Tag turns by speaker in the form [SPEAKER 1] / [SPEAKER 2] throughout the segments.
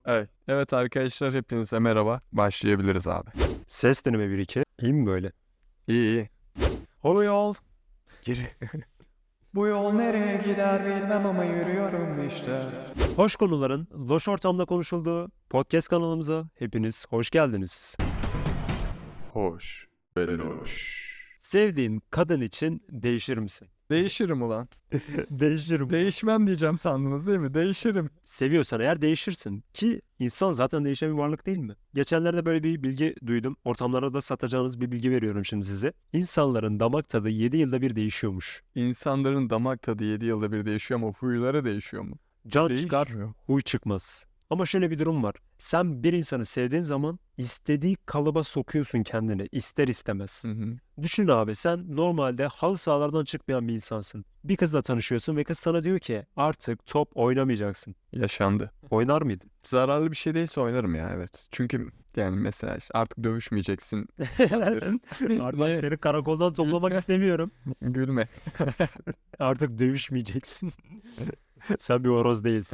[SPEAKER 1] Evet arkadaşlar hepinize merhaba. Başlayabiliriz abi.
[SPEAKER 2] Ses deneme 1-2. İyi mi böyle?
[SPEAKER 1] İyi. O yol. Geri. Bu yol nereye gider bilmem ama yürüyorum işte.
[SPEAKER 2] Hoş konuların loş ortamda konuşulduğu podcast kanalımıza hepiniz hoş geldiniz.
[SPEAKER 1] Hoş. Beloş.
[SPEAKER 2] Sevdiğin kadın için değişir misin?
[SPEAKER 1] Değişirim ulan.
[SPEAKER 2] Değişirim.
[SPEAKER 1] Değişmem diyeceğim sandınız değil mi? Değişirim.
[SPEAKER 2] Seviyorsan eğer değişirsin. Ki insan zaten değişen bir varlık değil mi? Geçenlerde böyle bir bilgi duydum. Ortamlara da satacağınız bir bilgi veriyorum şimdi size. İnsanların damak tadı 7 yılda bir değişiyormuş.
[SPEAKER 1] İnsanların damak tadı 7 yılda bir değişiyor ama huyları değişiyor mu?
[SPEAKER 2] Can çıkar,
[SPEAKER 1] Değişmiyor.
[SPEAKER 2] huy çıkmaz. Ama şöyle bir durum var. Sen bir insanı sevdiğin zaman istediği kalıba sokuyorsun kendini ister istemez.
[SPEAKER 1] Hı hı.
[SPEAKER 2] Düşün abi, sen normalde halı sahalardan çıkmayan bir insansın. Bir kızla tanışıyorsun ve kız sana diyor ki artık top oynamayacaksın.
[SPEAKER 1] Yaşandı.
[SPEAKER 2] Oynar mıydın?
[SPEAKER 1] Zararlı bir şey değilse oynarım ya, evet. Çünkü yani mesela işte artık dövüşmeyeceksin.
[SPEAKER 2] Artık seni karakoldan toplamak istemiyorum.
[SPEAKER 1] Gülme.
[SPEAKER 2] Artık dövüşmeyeceksin. Sen bir horoz değilsin.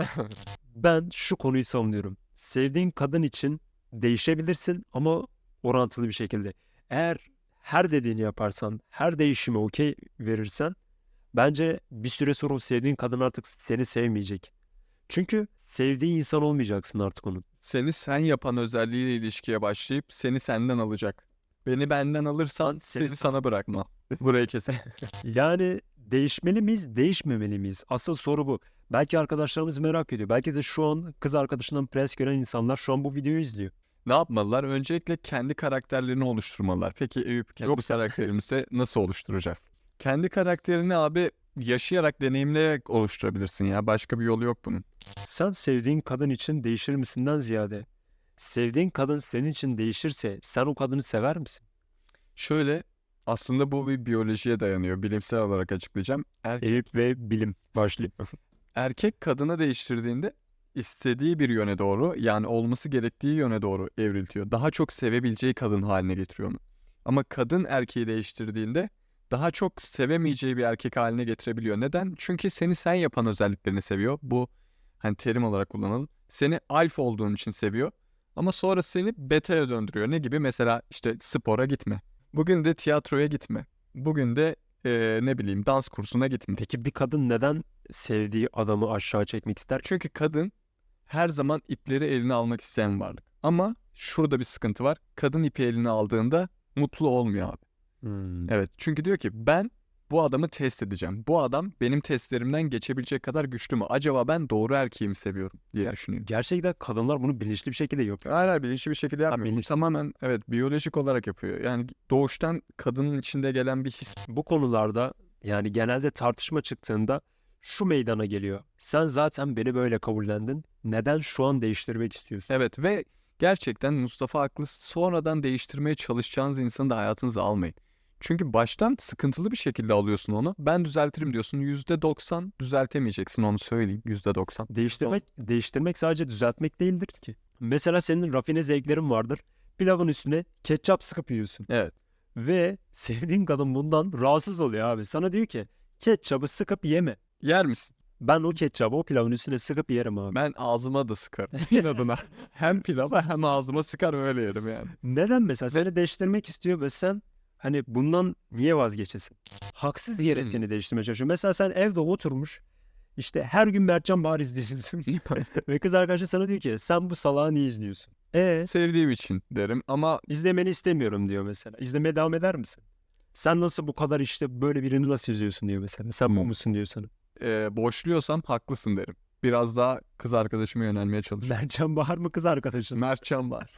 [SPEAKER 2] Ben şu konuyu savunuyorum. Sevdiğin kadın için değişebilirsin ama orantılı bir şekilde. Eğer her dediğini yaparsan, her değişime okey verirsen bence bir süre sonra o sevdiğin kadın artık seni sevmeyecek. Çünkü sevdiği insan olmayacaksın artık onun.
[SPEAKER 1] Seni sen yapan özelliğiyle ilişkiye başlayıp seni senden alacak. Beni benden alırsan seni sana bırakma. Burayı kesin.
[SPEAKER 2] Yani değişmeli miyiz, değişmemeli miyiz? Asıl soru bu. Belki arkadaşlarımız merak ediyor. Belki de şu an kız arkadaşından pres gören insanlar şu an bu videoyu izliyor.
[SPEAKER 1] Ne yapmalılar? Öncelikle kendi karakterlerini oluşturmalılar. Peki Eyüp, kendi
[SPEAKER 2] Yoksa-
[SPEAKER 1] karakterimizi nasıl oluşturacağız? Kendi karakterini abi yaşayarak, deneyimleyerek oluşturabilirsin ya. Başka bir yolu yok bunun.
[SPEAKER 2] Sen sevdiğin kadın için değişir misinden ziyade sevdiğin kadın senin için değişirse sen o kadını sever misin?
[SPEAKER 1] Şöyle, aslında bu bir biyolojiye dayanıyor. Bilimsel olarak açıklayacağım.
[SPEAKER 2] Eyüp ve bilim başlıyor.
[SPEAKER 1] Erkek kadını değiştirdiğinde istediği bir yöne doğru, yani olması gerektiği yöne doğru evriltiyor. Daha çok sevebileceği kadın haline getiriyor onu. Ama kadın erkeği değiştirdiğinde daha çok sevemeyeceği bir erkek haline getirebiliyor. Neden? Çünkü seni sen yapan özelliklerini seviyor. Bu hani terim olarak kullanalım. Seni alfa olduğun için seviyor. Ama sonra seni beta'ya döndürüyor. Ne gibi? Mesela işte spora gitme. Bugün de tiyatroya gitme. Bugün de ne bileyim dans kursuna gitme.
[SPEAKER 2] Peki bir kadın neden sevdiği adamı aşağı çekmek ister?
[SPEAKER 1] Çünkü kadın her zaman ipleri eline almak isteyen varlık. Ama şurada bir sıkıntı var. Kadın ipi eline aldığında mutlu olmuyor abi. Evet, çünkü diyor ki ben bu adamı test edeceğim. Bu adam benim testlerimden geçebilecek kadar güçlü mü? Acaba ben doğru erkeği mi seviyorum diye düşünüyor.
[SPEAKER 2] Gerçekten kadınlar bunu bilinçli bir şekilde yapıyor.
[SPEAKER 1] Hayır, bilinçli bir şekilde yapmıyor. Bu
[SPEAKER 2] bilinçsiz.
[SPEAKER 1] tamamen evet biyolojik olarak yapıyor. Yani doğuştan kadının içinde gelen bir his.
[SPEAKER 2] Bu konularda yani genelde tartışma çıktığında şu meydana geliyor. Sen zaten beni böyle kabullendin. Neden şu an değiştirmek istiyorsun?
[SPEAKER 1] Evet ve gerçekten Mustafa haklı. Sonradan değiştirmeye çalışacağınız insanı da hayatınıza almayın. Çünkü baştan sıkıntılı bir şekilde alıyorsun onu. Ben düzeltirim diyorsun. %90 düzeltemeyeceksin, onu söyleyeyim. %90.
[SPEAKER 2] Değiştirmek sadece düzeltmek değildir ki. Mesela senin rafine zevklerin vardır. Pilavın üstüne ketçap sıkıp yiyorsun.
[SPEAKER 1] Evet.
[SPEAKER 2] Ve sevdiğin kadın bundan rahatsız oluyor abi. Sana diyor ki ketçabı sıkıp yeme.
[SPEAKER 1] Yer misin?
[SPEAKER 2] Ben o ketçabı o pilavın üstüne sıkıp yerim abi.
[SPEAKER 1] Ben ağzıma da sıkarım. İnadına. Hem pilava hem ağzıma sıkar öyle yerim yani.
[SPEAKER 2] Neden mesela seni değiştirmek istiyor ve sen hani bundan niye vazgeçesin? Haksız yere
[SPEAKER 1] Hmm.
[SPEAKER 2] seni değiştirmeye çalışıyor. Mesela sen evde oturmuş işte her gün Mertcan Bahar izliyorsun. Ve kız arkadaşın sana diyor ki sen bu salağı niye izliyorsun?
[SPEAKER 1] Sevdiğim için derim ama
[SPEAKER 2] İzlemeni istemiyorum diyor mesela. İzlemeye devam eder misin? Sen nasıl bu kadar işte böyle birini nasıl izliyorsun diyor mesela. Sen bu musun diyor sana.
[SPEAKER 1] boşluyorsam haklısın derim. Biraz daha kız arkadaşıma yönelmeye çalışırım.
[SPEAKER 2] Mertcan Bahar mı kız arkadaşın?
[SPEAKER 1] Mertcan var.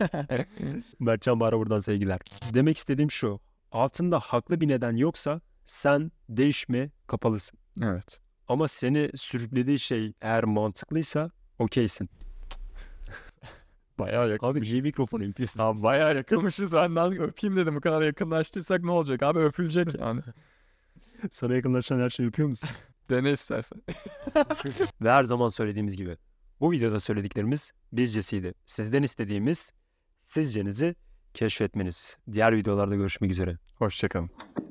[SPEAKER 2] Mertcan Bahar'a buradan sevgiler. Demek istediğim şu. Altında haklı bir neden yoksa sen değişme kapalısın.
[SPEAKER 1] Evet.
[SPEAKER 2] Ama seni sürüklediği şey eğer mantıklıysa okeysin.
[SPEAKER 1] Bayağı yakın.
[SPEAKER 2] Abi niye mikrofonu yapıyorsun?
[SPEAKER 1] Abi bayağı yakınmışız. Ben de öpeyim dedim. Bu kadar yakınlaştıysak ne olacak abi? Öpülecek yani.
[SPEAKER 2] Sana yakınlaşan her şeyi yapıyor musun?
[SPEAKER 1] Dene istersen.
[SPEAKER 2] Ve her zaman söylediğimiz gibi bu videoda söylediklerimiz bizcesiydi. Sizden istediğimiz sizcenizi keşfetmeniz. Diğer videolarda görüşmek üzere.
[SPEAKER 1] Hoşçakalın.